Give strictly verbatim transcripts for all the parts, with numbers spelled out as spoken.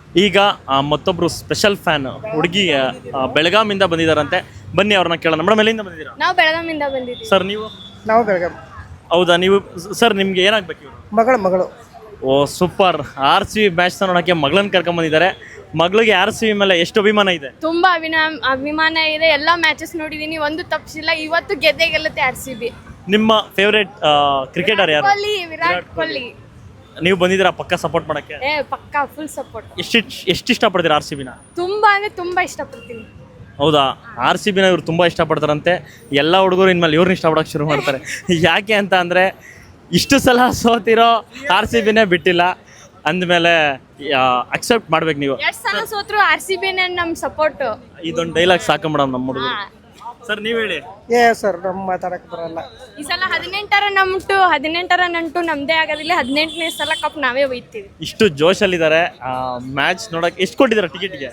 ಈಗ ಮತ್ತೊಬ್ರು special fan ಹುಡುಗಿ ಬೆಳಗಾಮಿಂದ ಬಂದಿದ್ದಾರಂತೆ. ಬನ್ನಿ ಅವ್ರನ್ನ ಕೇಳೋಣ. ಮೇಡಮ್ ಎಲ್ಲಿಂದ ಬಂದಿದ್ದೀರಾ? ನಾವು ಬೆಳಗಾಮಿಂದ ಬಂದಿದ್ದೀವಿ. ಸರ್ ನೀವು? ನಾವು ಬೆಳಗಾವಿ. ಹೌದಾ? ನೀವು ಸರ್ ನಿಮ್ಗೆ ಏನಾಗಬೇಕು ಇವರು? ಮಗಳು ಮಗಳು ಓ super. R C B match ನೋಡೋಕ್ಕೆ ಮಗಳನ್ನ ಕರ್ಕೊಂಡ್ ಬಂದಿದ್ದಾರೆ. ಮಗಳಿಗೆ ಆರ್ ಸಿ ಬಿ ಮೇಲೆ ಎಷ್ಟು ಅಭಿಮಾನ ಇದೆ? ತುಂಬಾ ಅಭಿನಾ ಅಭಿಮಾನ ಇದೆ. ಎಲ್ಲಾ ಮ್ಯಾಚಸ್ ನೋಡಿದೀನಿ, ಒಂದು ತಪ್ಪಿಸಿಲ್ಲ. ಇವತ್ತು ಗೆದ್ದೆ ಗೆಲ್ಲುತ್ತೆ ಆರ್ ಸಿ ಬಿ. ನಿಮ್ಮ ಫೇವ್ರೇಟ್ ಕ್ರಿಕೆಟರ್ ಯಾರು? ಕೊಹ್ಲಿ, ವಿರಾಟ್ ಕೊಹ್ಲಿ. ನೀವು ಬಂದಿದ್ದೀರಾ ಪಕ್ಕ ಸಪೋರ್ಟ್ ಮಾಡಕ್ಕೆ? ಏ ಪಕ್ಕಾ ಫುಲ್ ಸಪೋರ್ಟ್. ಎಷ್ಟು ಎಷ್ಟು ಇಷ್ಟಪಡ್ತೀರಾ ಆರ್ ಸಿ ಬಿನ? ತುಂಬಾ ಅಂದ್ರೆ ತುಂಬಾ ಇಷ್ಟಪಡ್ತೀನಿ. ಹೌದಾ? ಆರ್ ಸಿ ಬಿನ ಇವ್ರು ತುಂಬ ಇಷ್ಟಪಡ್ತಾರಂತೆ. ಎಲ್ಲ ಹುಡುಗರು ಇನ್ಮೇಲೆ ಇವ್ರನ್ನ ಇಷ್ಟಪಡೋಕೆ ಶುರು ಮಾಡ್ತಾರೆ. ಯಾಕೆ ಅಂತ ಅಂದರೆ ಇಷ್ಟು ಸಲ ಸೋತಿರೋ ಆರ್ ಸಿ ಬಿನೇ ಬಿಟ್ಟಿಲ್ಲ ಅಂದಮೇಲೆ ಅಕ್ಸೆಪ್ಟ್ ಮಾಡ್ಬೇಕು ನೀವು. ಎಷ್ಟು ಸಲ ಸೋತ್ರು ಆರ್ ಸಿ ಬಿನೇ ನಮ್ಮ ಸಪೋರ್ಟ್. ಇದೊಂದು ಡೈಲಾಗ್ ಸಾಕು ಮೇಡಮ್ ನಮ್ಮ ಹುಡುಗರು. ಸರ್ ನೀವು ಹೇಳಿ. ಏ ಸರ್ ನಮ್ಮ ಮಾತಾಡಕ್ಕೆ ಬರಲ್ಲ. ಈ ಸಲ ಹದಿನೆಂಟರ ನಮ್ಟು ಹದಿನೆಂಟರ ನಂಟು ನಮ್ದೇ ಆಗೋದಿಲ್ಲ. ಹದಿನೆಂಟನೇ ಸಲ ಕಪ್ ನಾವೇ ಒಯ್ತೀವಿ. ಇಷ್ಟು ಜೋಶಲ್ಲಿದ್ದಾರೆ. ಮ್ಯಾಚ್ ನೋಡಕ್ಕೆ ಎಷ್ಟು ಕೊಟ್ಟಿದ್ದಾರೆ ಟಿಕೆಟ್ಗೆ?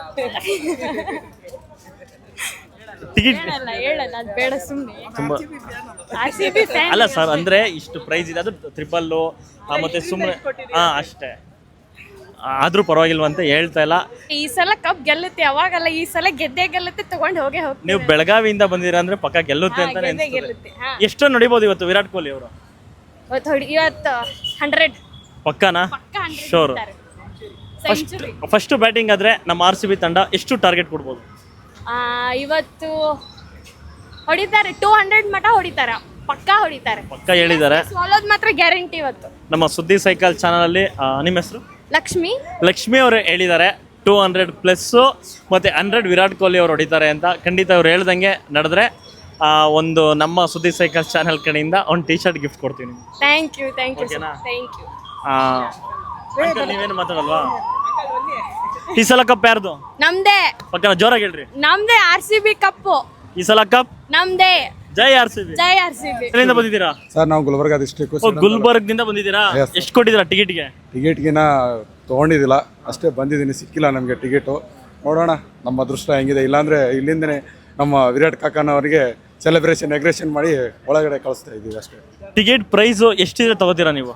ಟಿಕೆಟ್ ಹೇಳಲ್ಲ ಹೇಳಲ್ಲ ಅದು ಬೇಡ ಸುಮ್ಮನೆ. ತುಂಬಾ ಆರ್ ಸಿ ಬಿ ಫ್ಯಾನ್ ಅಲ್ಲ ಸರ್, ಅಂದ್ರೆ ಇಷ್ಟು ಪ್ರೈಸ್ ಇದೆ, ಅದು ಟ್ರಿಪಲ್ಲು ಮತ್ತೆ ಸುಮ್ಮನೆ ಹಾ ಅಷ್ಟೇ. ಆದ್ರೂ ಪರವಾಗಿಲ್ವ ಅಂತ ಹೇಳ್ತಾ ಇಲ್ಲ. ಈ ಸಲ ಕಪ್ ಗೆಲ್ಲುತ್ತೆ, ಅವಾಗಲ್ಲ ಈ ಸಲ ಗೆದ್ದೆ ಗೆಲ್ಲುತ್ತೆ, ತಗೊಂಡು ಹೋಗೇ ಹೋಗ್ತೀವಿ. ನೀವು ಬೆಳಗಾವಿಯಿಂದ ಬಂದಿರ ಅಂದ್ರೆ ಪಕ್ಕ ಗೆಲ್ಲುತ್ತೆ ಅಂತ ಗೆದ್ದೆ ಗೆಲ್ಲುತ್ತೆ. ಹಾ ಎಷ್ಟು ನೋಡಿಬೋದು ಇವತ್ತು ವಿರಾಟ್ ಕೊಹ್ಲಿ ಅವರು? ಇವತ್ತು ಹೊಡಿ ಇವತ್ತು ಹಂಡ್ರೆಡ್ ಪಕ್ಕನಾ? ಪಕ್ಕ hundred sure. First century. First batting ಆದ್ರೆ ನಮ್ಮ ಆರ್ ಸಿ ಬಿ ತಂಡ ಎಷ್ಟು ಟಾರ್ಗೆಟ್ ಕೊಡ್ಬೋದು? ಇವತ್ತು ಹೊಡಿತಾರೆ, ಟೂ ಹಂಡ್ರೆಡ್ ಮಟ ಹೊಡಿತಾರ, ಪಕ್ಕ ಹೊಡಿತಾರೆ. ಪಕ್ಕ ಹೇಳಿದ್ದಾರೆ. ಸೋಲೋದು ಮಾತ್ರ ಗ್ಯಾರಂಟಿ ಇವತ್ತು. ನಮ್ಮ ಸುದ್ದಿ ಸೈಕಲ್ ಚಾನಲ್ ಅಲ್ಲಿ ನಿಮ್ಮ ಹೆಸರು? ಲಕ್ಷ್ಮಿ. ಲಕ್ಷ್ಮಿ ಅವರು ಹೇಳಿದ್ದಾರೆ ಟೂ ಹಂಡ್ರೆಡ್ ಪ್ಲಸ್ಸು ಮತ್ತು ಹಂಡ್ರೆಡ್ ವಿರಾಟ್ ಕೊಹ್ಲಿ ಅವರು ಹೊಡಿತಾರೆ ಅಂತ. ಖಂಡಿತ ಅವ್ರು ಹೇಳ್ದಂಗೆ ನಡೆದ್ರೆ ಒಂದು ನಮ್ಮ ಸುದ್ದಿ ಸೈಕಲ್ ಚಾನಲ್ ಕಡೆಯಿಂದ ಒಂದು ಟಿ ಶರ್ಟ್ ಗಿಫ್ಟ್ ಕೊಡ್ತೀನಿ. ಥ್ಯಾಂಕ್ ಯು ಥ್ಯಾಂಕ್ ಯು ಓಕೆನಾ? Thank you. ನೀವೇನು ಮಾತಾಡಲ್ವಾ? ಈ ಸಲ ಕಪ್ ಯಾರ್ದು? ನಮ್ದೇ. ಪಕ್ಕನ ಜೋರಾಗಿ ಹೇಳ್ರಿ. ನಮ್ದೇ ಆರ್ ಸಿ ಬಿ ಕಪ್ಪು. ಈ ಸಲ ಕಪ್ ನಮ್ದೇ. ಜೈ ಆರ್ ಸಿ ಬಿ. ಜೈ ಆರ್ ಸಿ ಬಿ. ಎಲ್ಲಿಂದ ಬಂದಿದ್ದೀರಾ? ಸರ್ ನಾವು ಗುಲ್ಬರ್ಗ ಡಿಸ್ಟ್ರಿಕ್ಟ್. ಗುಲ್ಬರ್ಗದಿಂದ ಬಂದಿದ್ದೀರಾ? ಎಷ್ಟು ಕೊಟ್ಟಿದ್ದೀರಾ ಟಿಕೆಟ್ಗೆ? ಟಿಕೆಟ್ಗಿನ ತೊಗೊಂಡಿದ್ದಿಲ್ಲ, ಅಷ್ಟೇ ಬಂದಿದ್ದೀನಿ. ಸಿಕ್ಕಿಲ್ಲ ನಮಗೆ ಟಿಕೆಟು. ನೋಡೋಣ ನಮ್ಮ ಅದೃಷ್ಟ ಹೆಂಗಿದೆ. ಇಲ್ಲಾಂದರೆ ಇಲ್ಲಿಂದನೇ ನಮ್ಮ ವಿರಾಟ್ ಕಾಕಾನವರಿಗೆ ಸೆಲೆಬ್ರೇಷನ್ ಎಗ್ರೇಷನ್ ಮಾಡಿ ಒಳಗಡೆ ಕಳಿಸ್ತಾ ಇದ್ದೀವಿ ಅಷ್ಟೇ. ಟಿಕೆಟ್ ಪ್ರೈಸು ಎಷ್ಟಿದ್ರೆ ತಗೋತೀರಾ ನೀವು?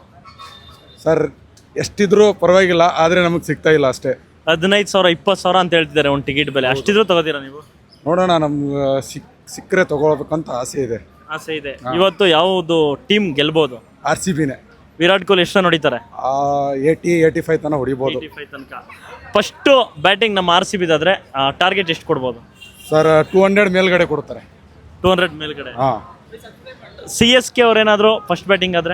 ಸರ್ ಎಷ್ಟಿದ್ರೂ ಪರವಾಗಿಲ್ಲ, ಆದರೆ ನಮಗೆ ಸಿಗ್ತಾ ಇಲ್ಲ ಅಷ್ಟೇ. ಹದಿನೈದು ಸಾವಿರ ಇಪ್ಪತ್ತು ಸಾವಿರ ಅಂತ ಹೇಳ್ತಿದ್ದಾರೆ ಒಂದು ಟಿಕೆಟ್ ಬೆಲೆ. ಅಷ್ಟಿದ್ರು ತಗೋತೀರಾ ನೀವು? ನೋಡೋಣ, ನಮ್ಗೆ ಸಿಕ್ ಸಿಕ್ಕರೆ ತಗೊಳ್ಬೇಕಂತ ಆಸೆ ಇದೆ. ಆಸೆ ಇದೆ. ಇವತ್ತು ಯಾವುದು ಟೀಮ್ ಗೆಲ್ಬೋದು? ಆರ್ ಸಿ ಬಿನೇ. ವಿರಾಟ್ ಕೊಹ್ಲಿ ಎಷ್ಟು ನೋಡಿತಾರೆ? ಏಯ್ಟಿ ಏಯ್ಟಿ ಫೈವ್ ತನಕ ಹೊಡಿಬೋದು. ತನಕ. ಫಸ್ಟು ಬ್ಯಾಟಿಂಗ್ ನಮ್ಮ ಆರ್ ಸಿ ಬಿದಾದ್ರೆ ಟಾರ್ಗೆಟ್ ಎಷ್ಟು ಕೊಡ್ಬೋದು? ಸರ್ ಟೂ ಹಂಡ್ರೆಡ್ ಮೇಲ್ಗಡೆ ಕೊಡ್ತಾರೆ. ಟೂ ಹಂಡ್ರೆಡ್ ಮೇಲ್ಗಡೆ. ಹಾಂ. ಸಿ ಎಸ್ ಕೆ ಅವ್ರೇನಾದರೂ ಫಸ್ಟ್ ಬ್ಯಾಟಿಂಗ್ ಆದರೆ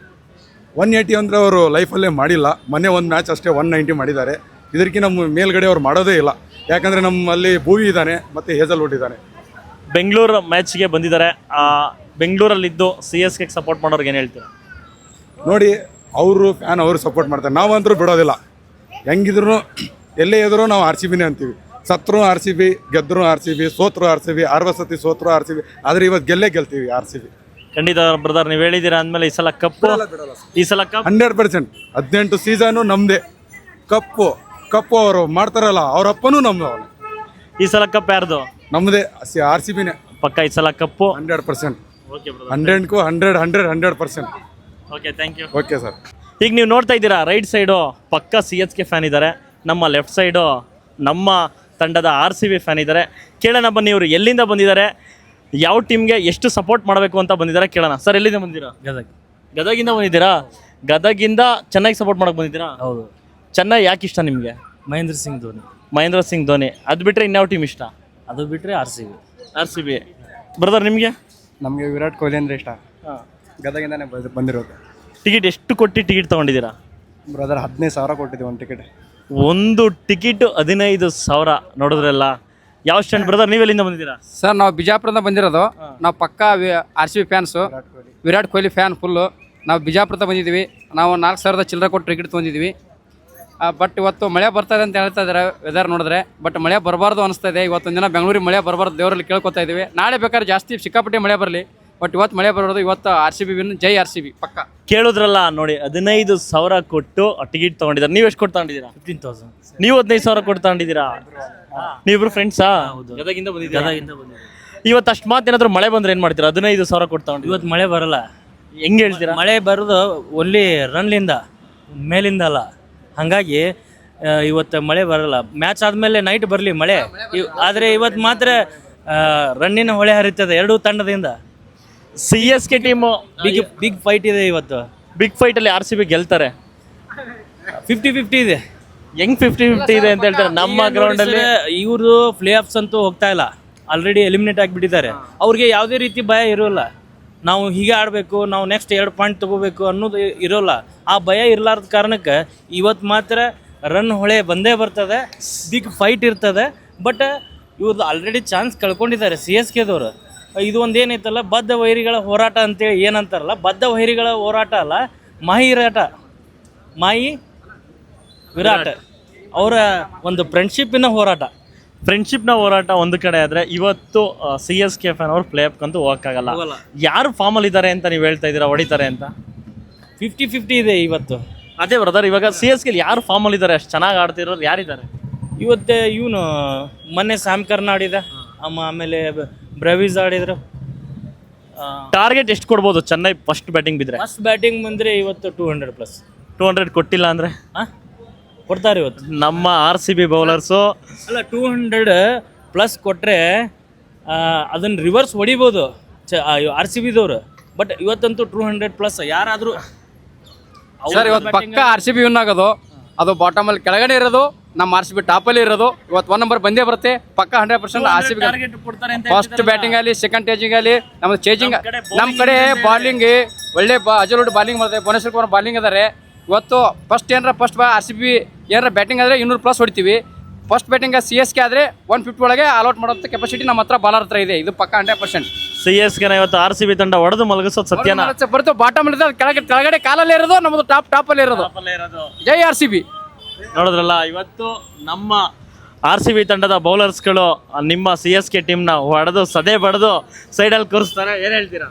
ಒನ್ ಏಯ್ಟಿ ಅಂದರೆ ಅವರು ಲೈಫಲ್ಲೇ ಮಾಡಿಲ್ಲ. ಮೊನ್ನೆ ಒಂದು ಮ್ಯಾಚ್ ಅಷ್ಟೇ ಒನ್ ನೈಂಟಿ ಮಾಡಿದ್ದಾರೆ. ಇದಕ್ಕೆ ನಮ್ಮ ಮೇಲ್ಗಡೆ ಅವ್ರು ಮಾಡೋದೇ ಇಲ್ಲ. ಯಾಕಂದರೆ ನಮ್ಮಲ್ಲಿ ಭೂವಿ ಇದ್ದಾನೆ ಮತ್ತು ಹೇಜಲ್ವುಡ್ ಇದ್ದಾನೆ. ಬೆಂಗಳೂರು ಮ್ಯಾಚ್ಗೆ ಬಂದಿದ್ದಾರೆ. ಬೆಂಗಳೂರಲ್ಲಿದ್ದು ಸಿ ಎಸ್ ಕೆ ಸಪೋರ್ಟ್ ಮಾಡೋರ್ಗೆ ಏನು ಹೇಳ್ತೀರಾ? ನೋಡಿ, ಅವರು ಫ್ಯಾನ್ ಅವರು ಸಪೋರ್ಟ್ ಮಾಡ್ತಾರೆ. ನಾವಂತರೂ ಬಿಡೋದಿಲ್ಲ. ಹೆಂಗಿದ್ರು ಎಲ್ಲೇ ಇದ್ರೂ ನಾವು ಆರ್ ಸಿ ಬಿನೇ ಅಂತೀವಿ. ಸತ್ರು ಆರ್ ಸಿ ಬಿ, ಗೆದ್ದರು ಆರ್ ಸಿ ಬಿ, ಸೋತ್ರು ಆರ್ ಸಿ ಬಿ, ಅರವತ್ತು ಸೋತ್ರು ಆರ್ ಸಿ ಬಿ. ಆದರೆ ಇವತ್ತು ಗೆಲ್ಲೇ ಗೆಲ್ತೀವಿ ಆರ್ ಸಿ ಬಿ. ಖಂಡಿತ ಬ್ರದರ್, ನೀವು ಹೇಳಿದ್ದೀರಾ ಅಂದಮೇಲೆ ಈ ಸಲ ಕಪ್ಪು ಈ ಸಲ ಕಪ್ ಹಂಡ್ರೆಡ್ ಪರ್ಸೆಂಟ್. ಹದಿನೆಂಟು ಸೀಸನು ನಮ್ಮದೇ. ಕಪ್ಪು ಕಪ್ಪು ಅವರು ಮಾಡ್ತಾರಲ್ಲ, ಅವ್ರ ಅಪ್ಪನೂ ನಮ್ಮದು. ಅವನು ಈ ಸಲ ಕಪ್ ಯಾರ್ದು? ನಮ್ಮದೇ. ಆರ್ ಸಿ ಬಿನೇ ಪಕ್ಕ ಈ ಸಲ cup. Hundred percent. Okay brother. ಹಂಡ್ರೆಡ್ಗೂ hundred hundred hundred percent. Okay, thank you. Okay sir. ಈಗ ನೀವು ನೋಡ್ತಾ ಇದ್ದೀರಾ, ರೈಟ್ ಸೈಡು ಪಕ್ಕ ಸಿ ಎಸ್ ಕೆ ಫ್ಯಾನ್ ಇದ್ದಾರೆ, ನಮ್ಮ ಲೆಫ್ಟ್ ಸೈಡು ನಮ್ಮ ತಂಡದ ಆರ್ ಸಿ ಬಿ ಫ್ಯಾನ್ ಇದ್ದಾರೆ. ಕೇಳೋಣ ಬನ್ನಿ, ಇವರು ಎಲ್ಲಿಂದ ಬಂದಿದ್ದಾರೆ, ಯಾವ ಟೀಮ್ಗೆ ಎಷ್ಟು ಸಪೋರ್ಟ್ ಮಾಡಬೇಕು ಅಂತ ಬಂದಿದ್ದಾರೆ ಕೇಳೋಣ. ಸರ್ ಎಲ್ಲಿಂದ ಬಂದಿದ್ದೀರಾ? ಗದಗ. ಗದಗಿಂದ ಬಂದಿದ್ದೀರಾ? ಗದಗಿಂದ ಚೆನ್ನೈಗೆ ಸಪೋರ್ಟ್ ಮಾಡಕ್ಕೆ ಬಂದಿದ್ದೀರಾ? ಹೌದು. ಚೆನ್ನೈ ಯಾಕೆ ಇಷ್ಟ ನಿಮಗೆ? ಮಹೇಂದ್ರ ಸಿಂಗ್ ಧೋನಿ. ಮಹೇಂದ್ರ ಸಿಂಗ್ ಧೋನಿ. ಅದು ಬಿಟ್ಟರೆ ಇನ್ಯಾವ ಟೀಮ್ ಇಷ್ಟ? ಅದು ಬಿಟ್ಟರೆ R C B. R C B. Brother ನಿಮಗೆ? ನಮಗೆ ವಿರಾಟ್ ಕೊಹ್ಲಿ ಅಂದರೆ ಇಷ್ಟ. ಹಾಂ. ಗದಗಿಂದಾನೆ ಬಂದು ಬಂದಿರೋದು. ಟಿಕೆಟ್ ಎಷ್ಟು ಕೊಟ್ಟು ಟಿಕೆಟ್ ತೊಗೊಂಡಿದ್ದೀರಾ? ಬ್ರದರ್ ಹದಿನೈದು ಸಾವಿರ ಕೊಟ್ಟಿದ್ದೀವಿ ಒಂದು ಟಿಕೆಟ್. ಒಂದು ಟಿಕೆಟು ಹದಿನೈದು ಸಾವಿರ. ನೋಡಿದ್ರಲ್ಲ, ಯಾವ ಸ್ಟ್ಯಾಂಡ್ ಬ್ರದರ್? ನೀವೆಲ್ಲಿಂದ ಬಂದಿದ್ದೀರಾ? ಸರ್ ನಾವು ಬಿಜಾಪುರದಿಂದ ಬಂದಿರೋದು. ನಾವು ಪಕ್ಕಾ R C B fans, Virat Kohli fan full. ನಾವು ಬಿಜಾಪುರದ ಬಂದಿದ್ದೀವಿ. ನಾವು ನಾಲ್ಕು ಸಾವಿರದ ಚಿಲ್ಲರೆ ಕೊಟ್ಟು ಟಿಕೆಟ್ ತೊಗೊಂಡಿದ್ದೀವಿ. ಬಟ್ ಇವತ್ತು ಮಳೆ ಬರ್ತಾಯಿದೆ ಅಂತ ಹೇಳ್ತಾ ಇದ್ದಾರೆ ವೆದರ್ ನೋಡಿದ್ರೆ. ಬಟ್ ಮಳೆ ಬರಬಾರ್ದು ಅನಿಸ್ತಾ ಇದೆ. ಇವತ್ತೊಂದು ದಿನ ಬೆಂಗಳೂರಿಗೆ ಮಳೆ ಬರಬಾರ್ದು ದೇವರಲ್ಲಿ ಕೇಳ್ಕೊತಾ ಇದ್ದೀವಿ. ನಾಳೆ ಬೇಕಾದ್ರೆ ಜಾಸ್ತಿ ಸಿಕ್ಕಾಪಟ್ಟೆ ಮಳೆ ಬರಲಿ, ಬಟ್ ಇವತ್ತು ಮಳೆ ಬರೋದು. ಇವತ್ತು ಆರ್ ಸಿ ಬಿ ವಿನ್. ಜೈ ಆರ್ ಸಿ ಬಿ ಪಕ್ಕ. ಕೇಳಿದ್ರಲ್ಲ ನೋಡಿ, ಹದಿನೈದು ಸಾವಿರ ಕೊಟ್ಟು ಟಿಕೆಟ್ ತೊಗೊಂಡಿದ್ದಾರೆ. ನೀವು ಎಷ್ಟು ಕೊಟ್ಟು ತಗೊಂಡಿದ್ದೀರಾ? Fifteen thousand. ನೀವು ಹದಿನೈದು ಸಾವಿರ ಕೊಟ್ಟು ತಗೊಂಡಿದ್ದೀರಾ? ನೀವಿಬ್ರು ಫ್ರೆಂಡ್ಸಾ? ಗದಗಿಂದ ಬಂದಿದ್ದೀರಾ? ಗದಗಿಂದ ಬಂದಿದ್ದೀವಿ. ಇವತ್ತು ಅಷ್ಟು ಮಾತು ಏನಾದರೂ ಮಳೆ ಬಂದ್ರೆ ಏನು ಮಾಡ್ತೀರಾ? ಹದಿನೈದು ಸಾವಿರ ಕೊಟ್ಟು ತಗೊಂಡು ಇವತ್ತು ಮಳೆ ಬರಲ್ಲ. ಹೆಂಗೆ ಹೇಳ್ತೀರಾ? ಮಳೆ ಬರೋದು ಓನ್ಲಿ ರನ್ಲಿಂದ, ಮೇಲಿಂದ ಅಲ್ಲ. ಹಾಗಾಗಿ ಇವತ್ತು ಮಳೆ ಬರಲ್ಲ. ಮ್ಯಾಚ್ ಆದಮೇಲೆ ನೈಟ್ ಬರಲಿ ಮಳೆ, ಇವ್- ಆದರೆ ಇವತ್ತು ಮಾತ್ರ ಆ, ರನ್ನಿನ ಹೊಳೆ ಹರಿತದೆ ಎರಡೂ ತಂಡದಿಂದ. C S K team big big fight ಇದೆ ಇವತ್ತು. ಬಿಗ್ ಫೈಟಲ್ಲಿ ಆರ್ ಸಿ ಬಿ ಗೆಲ್ತಾರೆ. ಫಿಫ್ಟಿ ಫಿಫ್ಟಿ ಇದೆ. ಹೆಂಗ್ ಫಿಫ್ಟಿ ಫಿಫ್ಟಿ ಇದೆ ಅಂತ ಹೇಳ್ತಾರೆ ನಮ್ಮ ಗ್ರೌಂಡಲ್ಲಿ. ಇವರು ಪ್ಲೇ ಆಫ್ಸ್ ಅಂತೂ ಹೋಗ್ತಾ ಇಲ್ಲ, ಆಲ್ರೆಡಿ ಎಲಿಮಿನೇಟ್ ಆಗಿಬಿಟ್ಟಿದ್ದಾರೆ. ಅವ್ರಿಗೆ ಯಾವುದೇ ರೀತಿ ಭಯ ಇರೋಲ್ಲ, ನಾವು ಹೀಗೆ ಆಡಬೇಕು, ನಾವು ನೆಕ್ಸ್ಟ್ ಎರಡು ಪಾಯಿಂಟ್ ತೊಗೋಬೇಕು ಅನ್ನೋದು ಇರೋಲ್ಲ. ಆ ಭಯ ಇರಲಾರ್ದ ಕಾರಣಕ್ಕೆ ಇವತ್ತು ಮಾತ್ರ ರನ್ ಹೊಳೆ ಬಂದೇ ಬರ್ತದೆ, ಬಿಗ್ ಫೈಟ್ ಇರ್ತದೆ. ಬಟ್ ಇವ್ರದ್ದು ಆಲ್ರೆಡಿ ಚಾನ್ಸ್ ಕಳ್ಕೊಂಡಿದ್ದಾರೆ ಸಿ ಎಸ್ ಕೆದವರು. ಇದು ಒಂದು ಏನೈತಲ್ಲ, ಬದ್ಧ ವೈರಿಗಳ ಹೋರಾಟ ಅಂತೇಳಿ ಏನಂತಾರಲ್ಲ, ಬದ್ಧ ವೈರಿಗಳ ಹೋರಾಟ ಅಲ್ಲ, ಮಾಹಿ ವಿರಾಟ ಮಾಹಿ ವಿರಾಟ್ ಅವರ ಒಂದು ಫ್ರೆಂಡ್ಶಿಪ್ಪಿನ ಹೋರಾಟ. ಫ್ರೆಂಡ್ಶಿಪ್ನ ಹೋರಾಟ ಒಂದು ಕಡೆ ಆದರೆ ಇವತ್ತು ಸಿ ಎಸ್ ಕೆ ಫ್ಯಾನ್ ಅವ್ರು ಪ್ಲೇ ಆಫ್ಗಂತೂ ಹೋಗಕ್ಕಾಗಲ್ಲ. ಯಾರು ಫಾರ್ಮಲ್ಲಿ ಇದ್ದಾರೆ ಅಂತ ನೀವು ಹೇಳ್ತಾ ಇದ್ದೀರಾ, ಹೊಡಿತಾರೆ ಅಂತ? ಫಿಫ್ಟಿ ಫಿಫ್ಟಿ ಇದೆ ಇವತ್ತು. ಅದೇ ಬ್ರದರ್, ಇವಾಗ ಸಿ ಎಸ್ ಕೆ ಯಾರು ಫಾರ್ಮಲ್ಲಿ ಇದ್ದಾರೆ, ಅಷ್ಟು ಚೆನ್ನಾಗಿ ಆಡ್ತಿರೋರು ಯಾರಿದ್ದಾರೆ? ಇವತ್ತು ಇವನು ಮೊನ್ನೆ ಸ್ಯಾಮ್ ಕರ್ನ್ ಆಡಿದ, ಅಮ್ಮ ಆಮೇಲೆ ಬ್ರವೀಸ್ ಆಡಿದ್ರು. ಟಾರ್ಗೆಟ್ ಎಷ್ಟು ಕೊಡ್ಬೋದು ಚೆನ್ನೈ ಫಸ್ಟ್ ಬ್ಯಾಟಿಂಗ್ ಬಿದ್ದರೆ? ಫಸ್ಟ್ ಬ್ಯಾಟಿಂಗ್ ಬಂದರೆ ಇವತ್ತು two hundred plus. Two hundred ಕೊಟ್ಟಿಲ್ಲ ಅಂದರೆ ಹಾಂ ಕೊಡ್ತಾರೆ ಇವತ್ತು. ನಮ್ಮ ಆರ್ ಸಿ ಬಿ ಬೌಲರ್ಸು ಅಲ್ಲ, ಟೂ ಹಂಡ್ರೆಡ್ ಪ್ಲಸ್ ಕೊಟ್ಟರೆ ಅದನ್ನು ರಿವರ್ಸ್ ಹೊಡಿಬೋದು ಚ ಆರ್ ಸಿ ಬಿದವರು. ಬಟ್ ಇವತ್ತಂತೂ ಟೂ ಹಂಡ್ರೆಡ್ ಪ್ಲಸ್ ಯಾರಾದರೂ ಸರ್ ಇವತ್ತು ಪಕ್ಕ ಆರ್ ಸಿ ಬಿ ವಿನ್ ಆಗೋದು. ಅದು ಬಾಟಮಲ್ಲಿ ಕೆಳಗಡೆ ಇರೋದು, ನಮ್ಮ ಆರ್ ಸಿ ಬಿ ಟಾಪಲ್ಲಿ ಇರೋದು. ಇವತ್ತು ಒನ್ ನಂಬರ್ ಬಂದೇ ಬರುತ್ತೆ ಪಕ್ಕ hundred percent R C B. First batting ಆಗಲಿ, ಸೆಕೆಂಡ್ ಟೇಜಿಂಗ್ ಆಗಲಿ, ನಮ್ಮದು ಚೇಜಿಂಗ್ ನಮ್ಮ ಕಡೆ ಬಾಲಿಂಗ್ ಒಳ್ಳೆ ಬಾ ಅಜಲೋಡ್ ಬಾಲಿಂಗ್ ಮಾಡ್ತಾರೆ, ಭುವನೇಶ್ವರ್ ಕುಮಾರ್ ಬಾಲಿಂಗ್ ಅದಾರೆ. ಇವತ್ತು ಫಸ್ಟ್ ಏನಾರ ಫಸ್ಟ್ ಬಾ ಆರ್ ಸಿ ಬಿ ಏನಾರ ಬ್ಯಾಟಿಂಗ್ ಆದರೆ ಇನ್ನೂರು ಪ್ಲಸ್ ಹೊಡಿತೀವಿ. First batting C S K ಆದರೆ ಒನ್ ಫಿಫ್ಟಿ ಒಳಗೆ ಆಲ್ಔಟ್ ಮಾಡೋಂಥ ಕೆಪಾಸಿಟಿ ನಮ್ಮ ಹತ್ರ ಬಾಲರ್ ಹತ್ರ ಇದೆ. ಇದು ಪಕ್ಕ ಹಂಡ್ರೆಡ್ ಪರ್ಸೆಂಟ್. ಸಿ ಎಸ್ ಕೆನ ಇವತ್ತು ಆರ್ ಸಿ ಬಿ ತಂಡ ಹೊಡೆದು ಮಲಗಿಸೋದು ಸತ್ಯನಾ? ಬರುತ್ತೆ ಬಾಟಮ್ ಇರೋದು, ಕೆಳಗಡೆ ಕೆಳಗಡೆ ಕಾಲಲ್ಲಿ ಇರೋದು, ನಮ್ಮದು ಟಾಪ್ ಟಾಪಲ್ಲಿ ಇರೋದು. ಜೈ ಆರ್ ಸಿ ಬಿ. ನೋಡಿದ್ರಲ್ಲ, ಇವತ್ತು ನಮ್ಮ ಆರ್ ಸಿ ಬಿ ತಂಡದ ಬೌಲರ್ಸ್ಗಳು ನಿಮ್ಮ ಸಿ ಎಸ್ ಕೆ ಟೀಮ್ನ ಹೊಡೆದು ಸದೆ ಬಡ್ದು ಸೈಡಲ್ಲಿ ಕೂರಿಸ್ತಾರೆ. ಏನು ಹೇಳ್ತೀರಾ?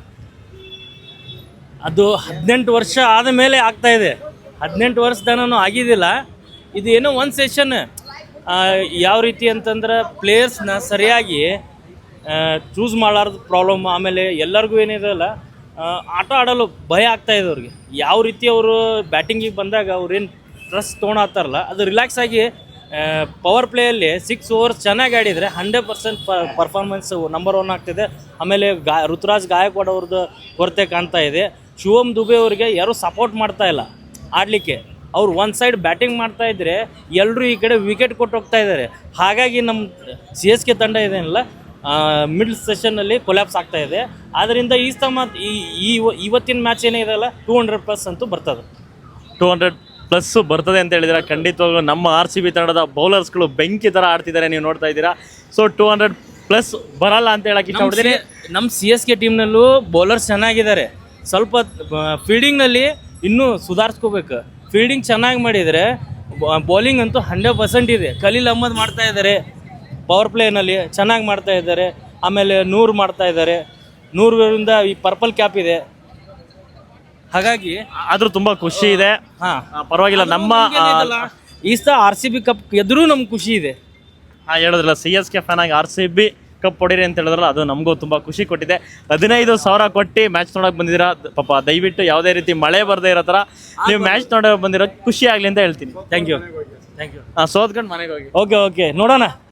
ಅದು ಹದಿನೆಂಟು ವರ್ಷ ಆದ ಮೇಲೆ ಆಗ್ತಾ ಇದೆ. ಹದಿನೆಂಟು ವರ್ಷದನೂ ಆಗಿದ್ದಿಲ್ಲ. ಇದು ಏನೋ ಒಂದು ಸೆಷನ್ ಯಾವ ರೀತಿ ಅಂತಂದ್ರೆ ಪ್ಲೇಯರ್ಸ್ನ ಸರಿಯಾಗಿ ಚೂಸ್ ಮಾಡಲಾರ್ದು ಪ್ರಾಬ್ಲಮ್. ಆಮೇಲೆ ಎಲ್ಲರಿಗೂ ಏನಿದೆಯಲ್ಲ, ಆಟ ಆಡಲು ಭಯ ಆಗ್ತಾಯಿದೆ ಅವ್ರಿಗೆ. ಯಾವ ರೀತಿ ಅವರು ಬ್ಯಾಟಿಂಗಿಗೆ ಬಂದಾಗ ಅವ್ರೇನು ಸ್ಟ್ರೆಸ್ ತೊಗೊಳತ್ತಾರಲ್ಲ, ಅದು ರಿಲ್ಯಾಕ್ಸ್ ಆಗಿ ಪವರ್ ಪ್ಲೇಯಲ್ಲಿ ಸಿಕ್ಸ್ ಓವರ್ಸ್ ಚೆನ್ನಾಗಿ ಆಡಿದರೆ hundred percent performance number one ಆಗ್ತಿದೆ. ಆಮೇಲೆ ಗಾ ಋತುರಾಜ್ ಗಾಯಕ್ವಾಡ್ ಅವ್ರದ್ದು ಕೊರತೆ ಕಾಣ್ತಾ ಇದೆ. ಶಿವಮ್ ದುಬೆ ಅವರಿಗೆ ಯಾರೂ ಸಪೋರ್ಟ್ ಮಾಡ್ತಾ ಇಲ್ಲ ಆಡಲಿಕ್ಕೆ. ಅವ್ರು ಒಂದು ಸೈಡ್ ಬ್ಯಾಟಿಂಗ್ ಮಾಡ್ತಾ ಇದ್ದರೆ ಎಲ್ಲರೂ ಈ ಕಡೆ ವಿಕೆಟ್ ಕೊಟ್ಟು ಹೋಗ್ತಾ ಇದ್ದಾರೆ. ಹಾಗಾಗಿ ನಮ್ಮ ಸಿ ಎಸ್ ಕೆ ತಂಡ ಇದೆಯಲ್ಲ, ಮಿಡ್ಲ್ ಸೆಷನ್ನಲ್ಲಿ ಕೊಲ್ಯಾಪ್ಸ್ ಆಗ್ತಾ ಇದೆ. ಆದ್ದರಿಂದ ಈ ಸ್ತಮ ಈ ಇವತ್ತಿನ ಮ್ಯಾಚ್ ಏನಿದೆಯಲ್ಲ, ಟೂ ಹಂಡ್ರೆಡ್ ಪ್ಲಸ್ ಅಂತೂ ಬರ್ತದೆ. ಟೂ ಹಂಡ್ರೆಡ್ ಪ್ಲಸ್ ಬರ್ತದೆ ಅಂತ ಹೇಳಿದ್ರೆ ಖಂಡಿತವಾಗ್ಲೂ ನಮ್ಮ ಆರ್ ಸಿ ಬಿ ತಂಡದ ಬೌಲರ್ಸ್ಗಳು ಬೆಂಕಿ ಥರ ಆಡ್ತಿದ್ದಾರೆ, ನೀವು ನೋಡ್ತಾ ಇದ್ದೀರಾ. ಸೊ ಟೂ ಹಂಡ್ರೆಡ್ ಪ್ಲಸ್ ಬರಲ್ಲ ಅಂತ ಹೇಳಕ್ಕೆ ಇಷ್ಟಪಡ್ತೀನಿ. ನಮ್ಮ ಸಿ ಎಸ್ ಕೆ ಟೀಮ್ನಲ್ಲೂ ಬೌಲರ್ಸ್ ಚೆನ್ನಾಗಿದ್ದಾರೆ. ಸ್ವಲ್ಪ ಫೀಲ್ಡಿಂಗ್ನಲ್ಲಿ ಇನ್ನೂ ಸುಧಾರಿಸ್ಕೋಬೇಕು. ಫೀಲ್ಡಿಂಗ್ ಚೆನ್ನಾಗಿ ಮಾಡಿದರೆ ಬೌಲಿಂಗ್ ಅಂತೂ ಹಂಡ್ರೆಡ್ ಪರ್ಸೆಂಟ್ ಇದೆ. ಖಲೀಲ್ ಅಹ್ಮದ್ ಮಾಡ್ತಾ ಇದ್ದಾರೆ, ಪವರ್ ಪ್ಲೇನಲ್ಲಿ ಚೆನ್ನಾಗಿ ಮಾಡ್ತಾ ಇದ್ದಾರೆ. ಆಮೇಲೆ ನೂರು ಮಾಡ್ತಾ ಇದ್ದಾರೆ. ನೂರರಿಂದ ಈ ಪರ್ಪಲ್ ಕ್ಯಾಪ್ ಇದೆ. ಹಾಗಾಗಿ ಆದರೂ ತುಂಬ ಖುಷಿ ಇದೆ. ಹಾಂ ಆ, ಪರವಾಗಿಲ್ಲ. ನಮ್ಮ ಈ ಸಹ ಆರ್ ಸಿ ಬಿ ಕಪ್ ಗೆದ್ರೂ ನಮ್ಗೆ ಖುಷಿ ಇದೆ. ಹಾಂ ಹೇಳಿದ್ರಲ್ಲ, ಸಿ ಎಸ್ ಕೆ ಫ್ಯಾನ್ ಆಗಿ ಆರ್ ಸಿ ಬಿ ಕಪ್ ಹೊಡೀರಿ ಅಂತ ಹೇಳಿದ್ರಲ್ಲ, ಅದು ನಮಗೂ ತುಂಬ ಖುಷಿ ಕೊಟ್ಟಿದೆ. ಹದಿನೈದು ಸಾವಿರ ಕೊಟ್ಟು ಮ್ಯಾಚ್ ನೋಡೋಕೆ ಬಂದಿದ್ದೀರಾ ಪಾಪ. ದಯವಿಟ್ಟು ಯಾವುದೇ ರೀತಿ ಮಳೆ ಬರದೇ ಇರೋ ಥರ ನೀವು ಮ್ಯಾಚ್ ನೋಡೋಕೆ ಬಂದಿರೋ ಖುಷಿ ಆಗಲಿ ಅಂತ ಹೇಳ್ತೀನಿ. ಥ್ಯಾಂಕ್ ಯು ಥ್ಯಾಂಕ್ ಯು ಹಾಂ, ಸೋತ್ಕೊಂಡು ಮನೆಗೆ ಹೋಗಿ. ಓಕೆ ಓಕೆ ನೋಡೋಣ.